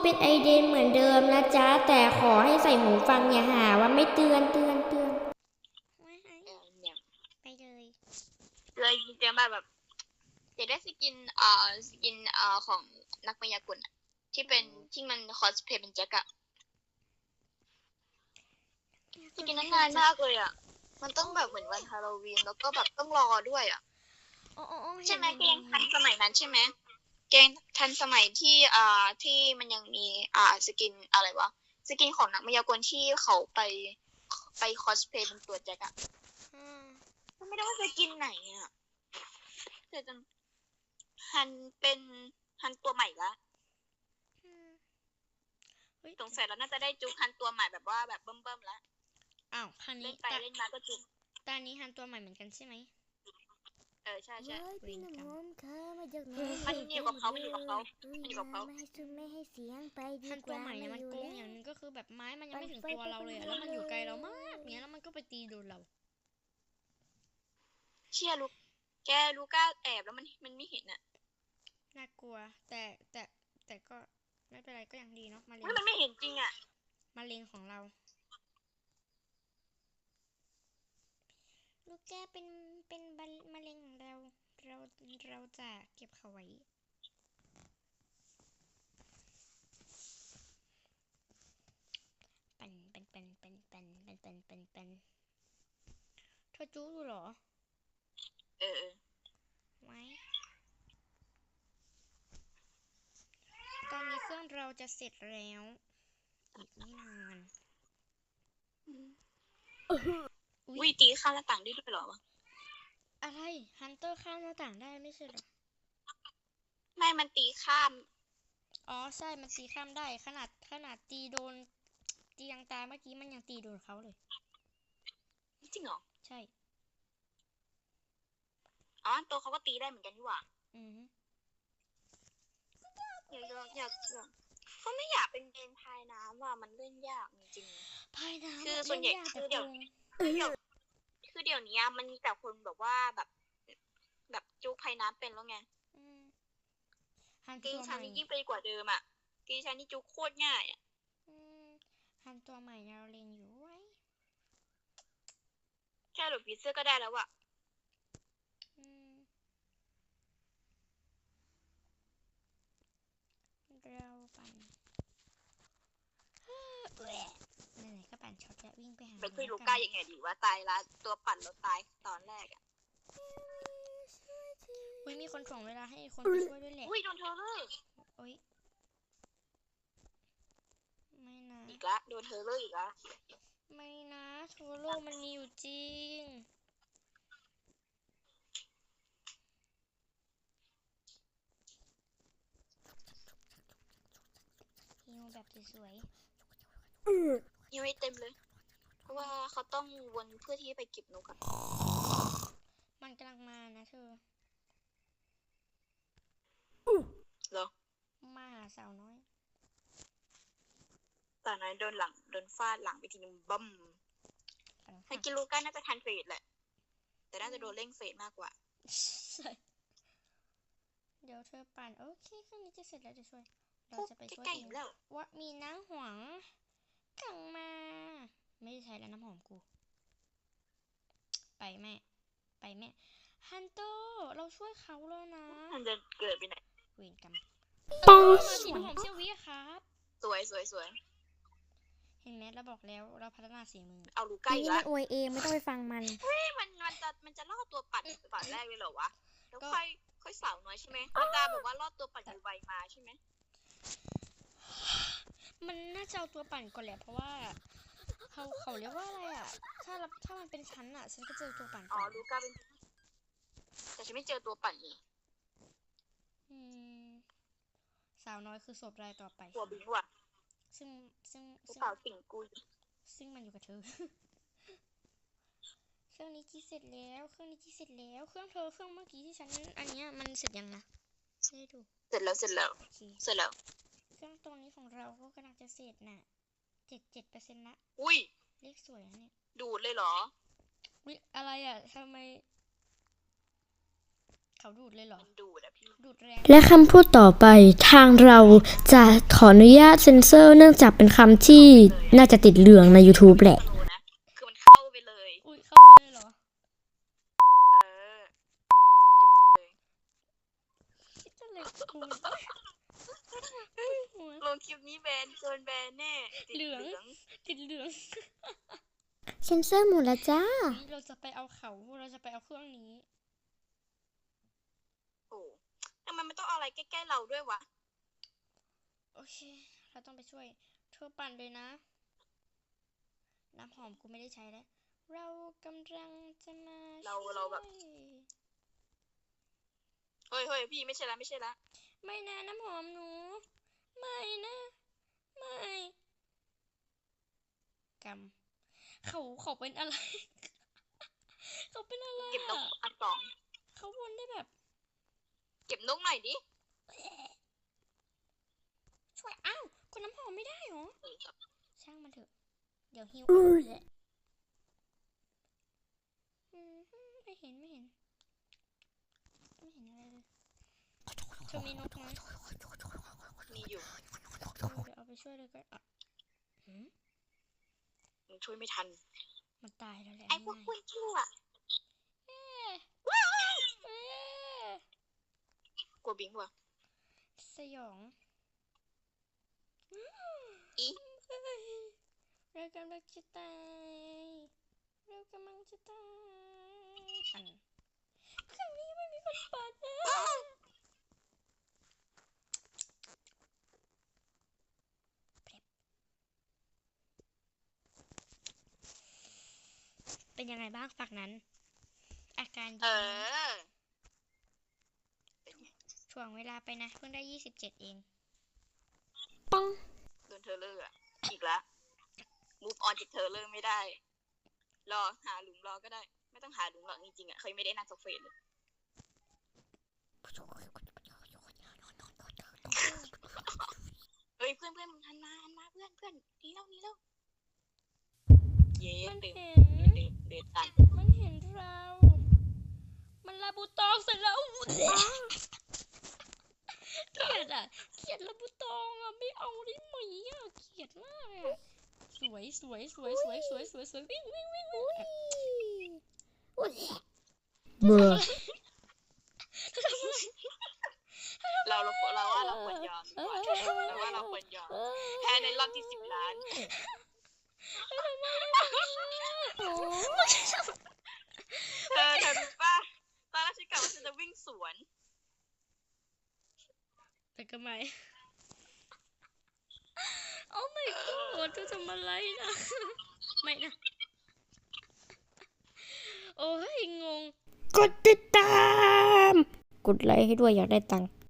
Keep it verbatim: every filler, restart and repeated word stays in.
เป็นไอเดนเหมือนเดิมนะจ๊ะแต่ขอให้ใส่หูฟังอย่าหาว่าไม่เตือนเตือนเตือนไม่ให้เนี่ยไปเลยเลยเจอมาแบบอยากได้สกินเอ่อสกินเอ่อของนักมายากลอะที่เป็นที่มันคอสเพลย์เป็นแจ็คอะสกินนั้นนานมากเลยอะมันต้องแบบเหมือนวันฮาโลวีนแล้วก็แบบต้องรอด้วยอะอ๋ออ๋ออ๋อใช่ไหมเห็นเกงเห็ทันนสมัยนั้นใช่ไหมเกงทันสมัยที่อ่าที่มันยังมีอ่าสกินอะไรวะสกินของนักมายากลที่เขาไปไปคอสเพลย์เป็นตัวแจ็คอะอืมก็ไม่ได้ว่าสกินไหนอะแต่จนฮันเป็นฮันตัวใหม่ละอืมเฮ้ยสงสัยเราน่าจะได้จุกฮันตัวใหม่แบบว่าแบบเบิ่มๆแล้วอ้าวคราวเล่นี้นไปตาเล่นมาก็จุกตานี้ฮันตัวใหม่เหมือนกันใช่ไหมเออใช่ใช่ว้ายพี่น้ำมอมค่ะมาจากไหนมันอยู่กับเขามันอยู่กับเขามันอยู่กับเขาไม่ให้ซุไม่ให้เสียงไปดีฮันกตัวว่าใหม่เนี่ยมันอยู่โกงแล้วอย่างหนึงก็คือแบบไม้มันยังไม่ถึงปั่นไฟตัวเราเลยอะไปแล้วมันอยู่ไกลเราเลยมากเนี้ยแล้วมันก็ไปตีโดนเราเชี่ยลูกแกลูก้าแอบแล้วมันมันไม่เห็นอะน่ากลัว แต่แต่แต่ก็ไม่เป็นไรก็ยังดีเนาะมะเร็เฮ้ยงมันไม่เห็นจริงอะมะเร็งของเราลูกแก้เป็นเป็นมะเร็งของเราเราเราจะเก็บเขาไว้เป็นเป็นเป็นเป็นเป็นเป็นเป็นเป็นเป็นเธอจู้อยู่เหรอเออเออไว้ตอนนี้เครื่องเราจะเสร็จแล้ว อีกไม่นานวิตีข้ามหน้าต่างได้ด้วยเหรอวะอะไรฮันเตอร์ข้ามหน้าต่างได้ไม่ใช่เหรอไม่มันตีข้ามอ๋อใช่มันตีข้ามได้ขนาดขนาดตีโดนตียังตายเมื่อกี้มันยังตีโดนเขาเลยจริงเหรอใช่อ๋อตัวเขาก็ตีได้เหมือนกันนี่หว่าอือฮึอยากอยากอยากอยากเขาไม่อยากเป็นเกมพายน้ำว่ะมันเล่นยากจริงพายน้ำคืออะส่วนใหญ่เล่ยากคือแต่เดี๋ยวโกงๆคือเดี๋ยวคือเดี๋ยวนี้มันมีแต่คนแบบว่าแบบ แบบจุกพายน้ำเป็นแล้วไงอืมฮันกีตัวใหชันม่นี่ยิ่งไปกว่าเดิมอ่ะกีชันนี่จุกโคตรง่ายอ่ะอืมฮันตัวใหม่เนี่ยเราเรียนอยู่ไว้แค่หลบผีเสื้อก็ได้แล้วอ่ะอืมเราปั่นแหวะไหนๆก็ปั่นช็อตแล้ววิ่งไปหาเป็นเลคุยยลูละก้ากันยังไงดีว่าตายละตัวปั่นเราตายตอนแรกอ่ะอุ้ยมีคนถ่วงเวลาให้คนไปช่วยด้วยแหละอุ้ยโดนเธอเลยโอ๊ยไม่นะอีกละโดนเธอเลยอีกละไม่นะโทโรมันมีอยู่จริงฮิวแบบสวยยังไม่เต็มเลย เพราะว่าเขาต้องวนเพื่อที่จะไปเก็บนกอะๆมันกำลังมานะเธอเหรอมาหาสาวน้อยตอนนั้นโดนหลังโดนฟาดหลังไปทีนึงบั้มกำลังให้หักกินลูก้าน่าจะทันเฟสแหละ แต่น่าจะโดนเร่งเฟสมากกว่าใช่เดี๋ยวเธอปั่นโอเคเครื่องนี้จะเสร็จแล้วเดี๋ยวช่วยเราจะไปช่วยใกล้เอๆงแล้วว่ามีน้ำหวงกังมา ไม่ได้ใช้แล้วน้ำหอมกู ไปแม่ ไปแม่ฮันเตอร์เราช่วยเขาแล้วนะมันจะเกิดไปไหนเวรกรรมมาสีน้ำหอมเซี่ยววิอะครับสวยสวยสวยเห็นไหมเราบอกแล้วเราพัฒนาสีมือเอาลูก้านี่อีกมัละนอวยเองไม่ต้องไปฟังมันเฮ้ยมันมันจะมันจะล่อตัวปั่นปั่นแรกเลยเหรอวะ แล้วก็ค่อยค่อยสาวน้อยใช่ไหมมันจะแบบว่าล่อตัวปั่นอยู่ไวมาใช่ไหมมันน่าจะเอาตัวปั่นก่อนแหละเพราะว่าเขาเขาเรียกว่าอะไรอ่ะ ถ้ารับถ้ามันเป็นชั้นอ่ะ ฉันก็เจอตัวปั่นอ๋อก่อนลูก้าเป็นแต่ฉันไม่เจอตัวปั่นอีกอืมสาวน้อยคือศพรายต่อไปหัวบิงว่ะซึ่งซึ่งกระซึ่งเป๋าสิงกุยซึ่งมันอยู่กับเธอ เครื่องนี้กี่เสร็จแล้วเครื่องนี้กี่เสร็จแล้วเครื่องเธอเครื่องเมื่อกี้ที่ฉันอันเนี้ยมันเสร็จยังนะไม่ได้ดูเสร็จแล้วเสร็จแล้วโอเคเสร็จแล้วเครื่องตรงนี้ของเราก็กำลังจะเสร็จน่ะเจ็ดเจ็ดเปอร์เซ็นต์ละอุ้ยเลขสวยนะเนี่ยดูดเลยเหรอวิอะไรอ่ะทำไมเขาดูดเลยเหรอมันดูดอะพี่ดูดแรงและคำพูดต่อไปทางเราจะขออนุญาตเซ็นเซอร์เนื่องจากเป็นคำที่น่าจะติดเหลืองใน YouTube แหละดูนะคือมันเข้าไปเลยอุ้ยเข้าไปเลยเหรอเออจุบเลยคิดอะไรกับกูหัวลงคลิปนี้แบนโดนแบนแน่ติดเหลืองเหลืองติดเหลืองเซ็นเซอร์หมดแล้วจ้านี่เราจะไปเอาเขาเราจะไปเอาเครื่องนี้โอ้ทำไมมันต้องเอาอะไรใกล้ๆเราด้วยวะโอเค เราต้องไปช่วยเธอปั่นเลยนะ น้ำหอมกูไม่ได้ใช้แล้ว เรากำลังจะมาเราเราแบบ เฮ้ยเฮ้ยพี่ไม่ใช่ละไม่ใช่ละไม่นะน้ำหอมหนู ไม่นะ ไม่กำเขาเขาเป็นอะไร เขาเป็นอะไรเก็บนกอะอันสองเขาวนได้แบบเก็บนกหน่อยดิช่วยอ้าวคนน้ำหอมไม่ได้เหรอเออครับช่างมันเถอะ เดี๋ยวหิวอุ้ยอืมไม่เห็นไม่เห็น ไม่เห็นอะไรเลยเธอมีนกไหมมีอยู่เออเดี๋ยวเอาไปช่วยเลยก็อ่ะหืมมึงช่วยไม่ทันมันตายแล้วแหละไอ้พวกนี่คุณชั่วเอ๊ะเอ๊ะกลัวบิงวะสยองอีเอ้ยเรากำลังจะตายเรากำลังจะตายอันเครื่องนี้ไม่มีคนเปิดนะเป็นยังไงบ้างฝักนั้น อาการเอดีไหมอ เป็นไงถ่วงเวลาไปนะเพิ่งได้ยี่สิบเจ็ดเองปังโดนเธอเลอร์อะอีกละ move on จากเธอเลอร์ไม่ได้ รอหาหลุมรอก็ได้ ไม่ต้องหาหลุมหรอกจริงๆอะเคยไม่ได้นั่งโซเฟเลย เฮ้ยเพื่อนเพื่อนมึงหันมาหันมาเพื่อนเพื่อนหนี่แล้วหนี่แล้ว เย้มันเดินเห็นเดินเดินเดินตันมันเห็นเรา มันลาบูตองเสร็จแล้วเกลียดอ่ะเกลียดลาบูตองอ่ะไม่เอาได้ไหมอ่ะเกลียดมากอ่ะสวยสวยสวยสวยสวยสวยสวยวิ่งวิ่งวิ่งวิ่งอ่ะเบื่อเราเราเราว่าเราควรยอมดีกว่าเราว่าเราควรยอมแพ้ในรอบที่สิบล้าน เธอเธอรู้ป่ะตอนแรกฉันกะว่าฉันจะวิ่งสวนแต่ก็ไม่โอ้ my god เธอทำอะไรนะ ไม่นะ โอ้ยงงกดติดตาม กดไลค์ให้ด้วยอยากได้ตังค์